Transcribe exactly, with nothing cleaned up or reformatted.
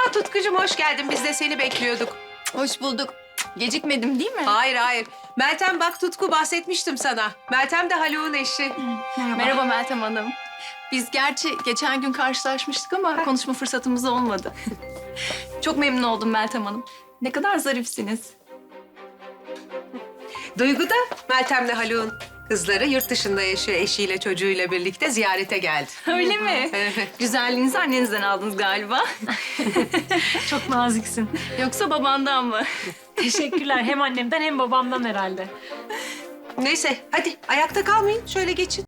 Aa Tutkucuğum hoş geldin. Biz de seni bekliyorduk. Hoş bulduk. Gecikmedim değil mi? Hayır hayır. Meltem bak Tutku bahsetmiştim sana. Meltem de Haluk'un eşi. Merhaba Meltem Hanım. Biz gerçi geçen gün karşılaşmıştık ama konuşma fırsatımız olmadı. Çok memnun oldum Meltem Hanım. Ne kadar zarifsiniz. Duygu da Meltem'le Haluk'un kızları yurt dışında yaşıyor. Eşiyle çocuğuyla birlikte ziyarete geldi. Öyle mi? Evet. Güzelliğinizi annenizden aldınız galiba. Çok naziksin. Yoksa babandan mı? Teşekkürler. Hem annemden hem babamdan herhalde. Neyse hadi ayakta kalmayın. Şöyle geçin.